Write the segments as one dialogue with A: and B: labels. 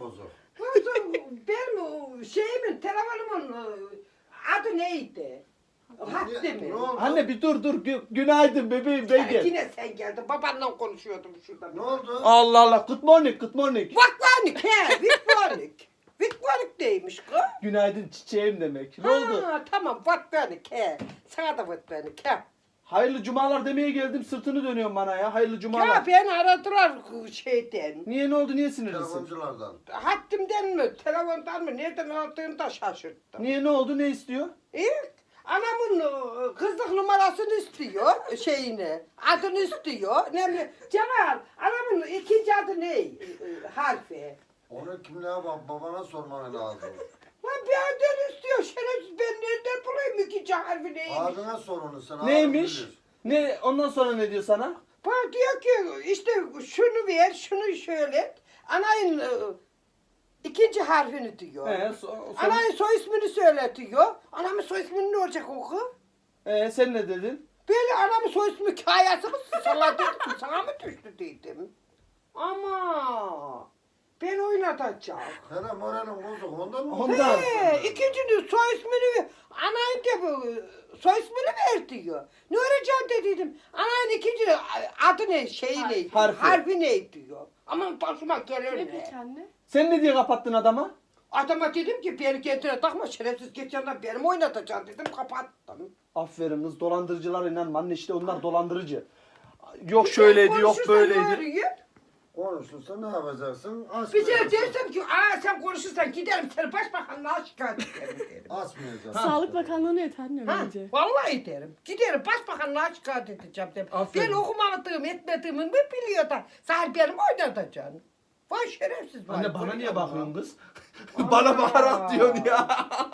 A: bozuk.
B: Benim şeyimin, telefonumun adı neydi? Hattı
A: Ne
B: mı?
A: oldu?
C: Anne bir dur. Günaydın bebeğim ben gel.
B: Yine sen geldin. Babanla konuşuyordum şurada.
A: Ne oldu?
C: Allah Allah. Good morning.
B: Vakvanik he, Vikvanik. Vikvanik neymiş kız?
C: Günaydın çiçeğim demek. Ne oldu?
B: Ha, tamam Vakvanik he. Sana da Vakvanik he.
C: Hayırlı cumalar demeye geldim sırtını dönüyorsun bana ya. Hayırlı cumalar.
B: Ya beni aradılar şeyden.
C: Niye ne oldu niye sinirlisin?
A: Telefonculardan.
B: Hattımdan mı, telefondan mı, nereden aldığını da şaşırttım.
C: Niye ne oldu ne istiyor?
B: Anamın kızlık numarasını istiyor, şeyini, adını istiyor. Ne bileyim, Cemal, anamın ikinci adı ne? Harfi.
A: Onu kimliğe bak babana sorman lazım.
B: Lan bir adı istiyor, şerefsiz ben nereden bulayım ikinci harfi neymiş?
A: Abine sor onu sen.
C: Neymiş?
A: abin bilir.
C: Ne ondan sonra ne diyor sana?
B: Bana diyor ki işte şunu ver, şunu şöyle et. Anayın ikinci harfini diyor. Anayın soy ismini söyletiyor. Anamın soy ismini ne olacak oku?
C: Sen ne dedin?
B: Böyle anamın soy ismi hikayesi mi? Sana dedim, sana mı düştü dedim. Ama ben oynatacağım.
A: Senin moralin bozuk ondan mı?
C: Ondan.
B: İkincinin soy ismini ver. Anayın de bu soy ismini ver diyor. Ne öğreneceğim dediydim. Anayın ikinci adı ne, şeyi ne?
C: Harfi.
B: ne diyor. Aman başıma gelir
D: Ne
B: ne?
D: peki anne?
C: Sen ne diye kapattın adama?
B: Adama dedim ki beni kendine takma şerefsiz geçenler benim oynatacaksın dedim kapattım.
C: Aferin kız dolandırıcılar inanma anne işte onlar dolandırıcı. Yok şöyleydi yok böyleydi.
A: Konuşursa ne yapacaksın?
B: Bir şey dersem ki sen konuşursan giderim seni başbakanlığa şikayet ederim derim.
A: Asmayacaksın.
D: Sağlık Bakanlığı'na yeter anne
B: Ha,
D: bence.
B: vallahi derim. Giderim başbakanlığa şikayet edeceğim derim.
C: Aferin.
B: Ben okumadığım etmediğimi mi biliyor da sen benim oynatacaksın. Vay şerefsiz vay.
C: Anne bana niye
B: Allah.
C: bakıyorsun kız? Bana bakarak diyorsun ya.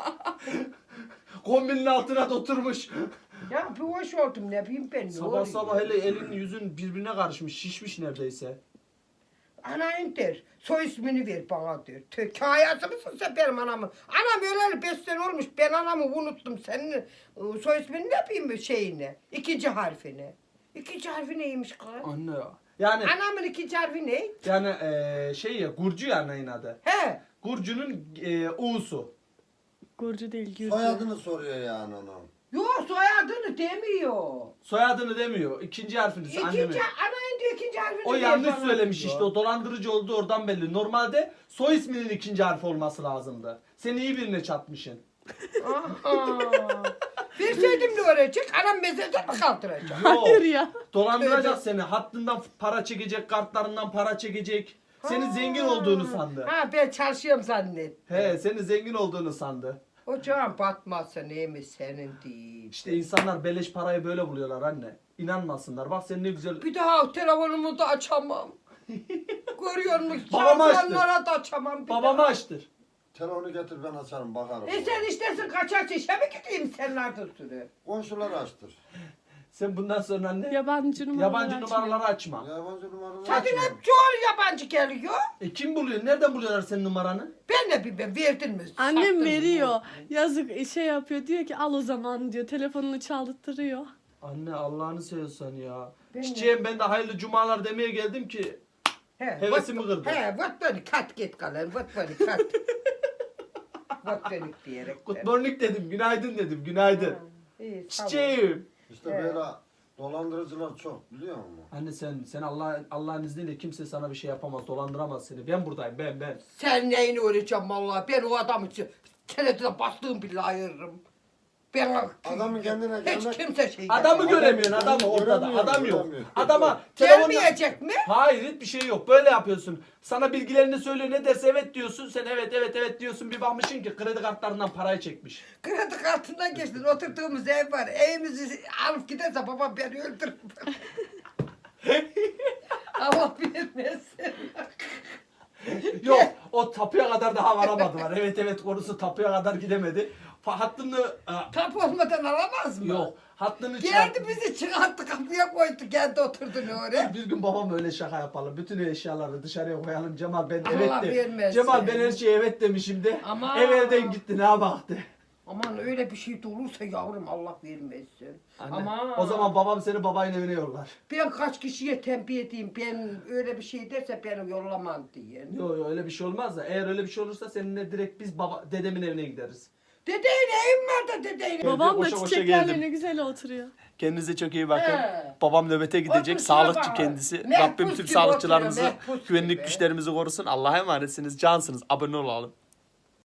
C: Kombinin altına da oturmuş.
B: Ya bir hoş oldum ne bileyim ben ne
C: Sabah
B: oluyor?
C: sabah hele elin yüzün birbirine karışmış şişmiş neredeyse.
B: Anayın der, soy ismini ver bana der. Hikayesi misin sen benim anamın? Anam öleli 5 sene olmuş, ben anamı unuttum. Senin soy ismini ne yapayım şeyini? İkinci harfini. İkinci harfi neymiş kız?
C: Anne ya. Yani
B: Anamın ikinci harfi ne?
C: yani şey ya Gurcu ya annenin adı.
B: He.
C: Gurcu'nun U'su.
D: Gurcu değil Gürcü.
A: Soyadını soruyor yani onun.
B: Yok soyadını demiyor.
C: Soyadını demiyor. İkinci harfini annemin.
B: Anayın diyor ikinci harfini
C: O
B: ver
C: yanlış
B: bana
C: söylemiş
B: diyor.
C: işte o dolandırıcı olduğu oradan belli. Normalde soy isminin ikinci harfi olması lazımdı. Sen iyi birine çatmışsın.
B: Aha. Verseydim ne olacak? Anam mezarda mı kaldıracak?
D: Hayır ya.
C: Dolandıracak seni. Hattından para çekecek, kartlarından para çekecek. Senin zengin olduğunu sandı.
B: Ha ben çalışıyorum zannet.
C: He, senin zengin olduğunu sandı.
B: Ocağın batmazsa neymiş senin değil.
C: İşte insanlar beleş parayı böyle buluyorlar anne. İnanmasınlar. Bak sen ne güzel.
B: Bir daha telefonumu da açamam. Görüyor musun?
C: Babamı açtır.
B: Şampuanlara da açamam.
C: Babamı açtır.
A: Telefonu getir ben açarım bakarım.
B: Sen istersin kaçak işe mi gideyim senlerde sürü?
A: Komşuları açtır.
C: Sen bundan sonra anne
D: Yabancı numaralar
C: yabancı
D: açmıyor.
C: numaraları açma.
A: Yabancı numaraları
B: Zaten
A: açma.
B: hep çoğu yabancı geliyor.
C: Kim buluyor? Nereden buluyorlar senin numaranı?
B: Ben de bilmem verdin mi?
D: Annem
B: sattın mı?
D: veriyor. Yazık şey yapıyor diyor ki al o zaman diyor. Telefonunu çaldırtırıyor.
C: Anne Allah'ını seviyorsan ya.
B: Ben
C: Çiçeğim ben de hayırlı cumalar demeye geldim ki
B: He,
C: hevesimi kırdı.
B: He, vat beni kat git kalın, vat beni kat. Vat beni diyerek.
C: Good morning dedim, günaydın dedim, günaydın.
B: İyi, tamam.
C: Çiçeğim.
A: İşte
B: Evet.
A: böyle dolandırıcılar çok biliyor musun?
C: Anne sen Allah'ın izniyle kimse sana bir şey yapamaz, dolandıramaz seni. Ben buradayım, ben.
B: Sen neyini öğreteceğim vallahi? Ben o adamı senetine bastığım bile ayırırım. Ben
A: Adamın kendine
B: hiç
A: gelmek-
B: kimse şey
C: Adamı
B: yapamaz.
C: göremiyorsun, adamı ortada.
A: Göremiyorum,
C: Adam yok.
A: göremiyorum.
C: Adama
B: Gelmeyecek mi?
C: Hayır hiçbir şey yok. Böyle yapıyorsun. Sana bilgilerini söylüyor. Ne derse evet diyorsun. Sen evet diyorsun. Bir bakmışsın ki kredi kartlarından parayı çekmiş.
B: Kredi kartından geçtin. Oturduğumuz ev var. Evimizi alıp giderse babam beni öldürür. Allah bilmesin.
C: Yok o tapuya kadar daha varamadılar. Evet konusu tapuya kadar gidemedi. Hattını
B: Tap olmadan alamaz mı?
C: yok. Hattını
B: Geldi bizi çıkarttı kapıya koydu. Geldi oturdu ne oraya.
C: Bir gün babam öyle şaka yapalım. Bütün eşyaları dışarıya koyalım. Cemal ben
B: Allah
C: evet de.
B: vermesin.
C: Cemal ben her şeye evet demişim de.
B: Ama-
C: Ev elden gitti ne baktı.
B: Aman öyle bir şey de olursa yavrum Allah vermesin.
C: Anne,
B: Aman.
C: o zaman babam seni babayın evine yollar.
B: Ben kaç kişiye tembih edeyim, ben öyle bir şey derse beni yollamam diye.
C: Yok öyle bir şey olmaz da eğer öyle bir şey olursa seninle direkt biz dedemin evine gideriz.
B: Dedeyle evim var da dedeyle.
D: Babam da
C: koşa koşa
D: çiçeklerle
C: geldim.
D: ne güzel oturuyor.
C: Kendinize çok iyi bakın.
B: He.
C: Babam nöbete gidecek.
B: Otur
C: Sağlıkçı
B: şuna
C: kendisi.
B: bak. Mehpus
C: Rabbim tüm
B: gibi
C: sağlıkçılarımızı,
B: oturuyor, mehpus
C: güvenlik
B: gibi.
C: güçlerimizi korusun. Allah'a emanetsiniz. Cansınız. Abone olalım.